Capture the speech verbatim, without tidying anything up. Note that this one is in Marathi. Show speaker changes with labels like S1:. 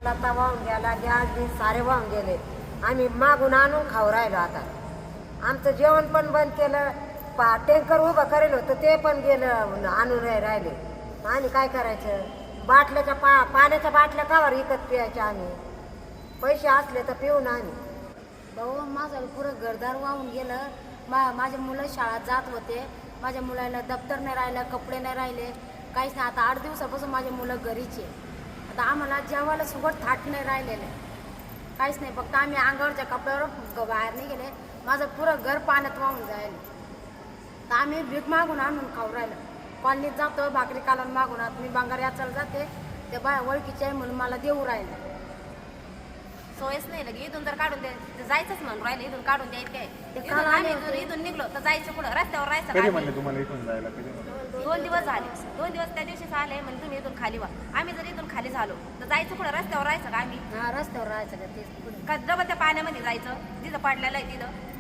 S1: लता वाहून गेला, गॅस बीस सारे वाहून गेले. आम्ही मागून आणून खाऊ राहिलो. आता आमचं जेवण पण बंद केलं. पा टँकर उभं करेल होतं ते पण गेलं, आणून राहिले. आम्ही काय करायचं? बाटल्याच्या पा पाण्याच्या बाटल्या कावर विकत प्यायच्या आम्ही? पैसे असले तर पिऊ ना आम्ही.
S2: भाऊ माझं पुरं घरदार वाहून गेलं. मा माझे मुलं शाळेत जात होते. माझ्या मुलाला दप्तर नाही राहिलं, कपडे नाही राहिले, काहीच नाही. आता आठ दिवसापासून माझे मुलं घरीचे. आता आम्हाला जेवायला सुगट थाट नाही राहिलेलं आहे, काहीच नाही. फक्त आम्ही अंगावरच्या कपड्यावर बाहेर नाही गेले. माझं पुरं घर पाण्यात वाहून जायला. तर आम्ही भीक मागून आणून खाऊ राहिलं. कॉलनीत जातो, भाकरी कालून मागून आत मी बांगार याचायला जाते, ते बाय ओळखीचे आहे म्हणून मला देऊ राहिले.
S3: सोयच नाही लगे. इथून जर काढून द्यायचं जायचंच म्हणून राहिलं, इथून काढून द्यायचं काय?
S2: ते
S3: इथून
S2: काल
S3: आम्ही
S2: आले
S3: इथून
S2: होते.
S3: इथून निघलो तर जायचं कुठं? रस्त्यावर राहायचं
S4: कधी
S3: का
S4: म्हणले
S3: आम्ही?
S4: तुम्हाला इथून जायला? कधी म्हणले?
S3: दोन दिवस झाले. दोन दिवस त्या दिवशीच आले म्हणजे तुम्ही इथून खाली व्हा. आम्ही जर इथून खाली झालो तर जायचं कुठं? रस्त्यावर राहायचं का आम्ही?
S2: हा रस्त्यावर राहायचं का तेच पुढे.
S3: का डबल त्या पाण्यामध्ये जायचं जिथं पडलेलं आहे तिथं?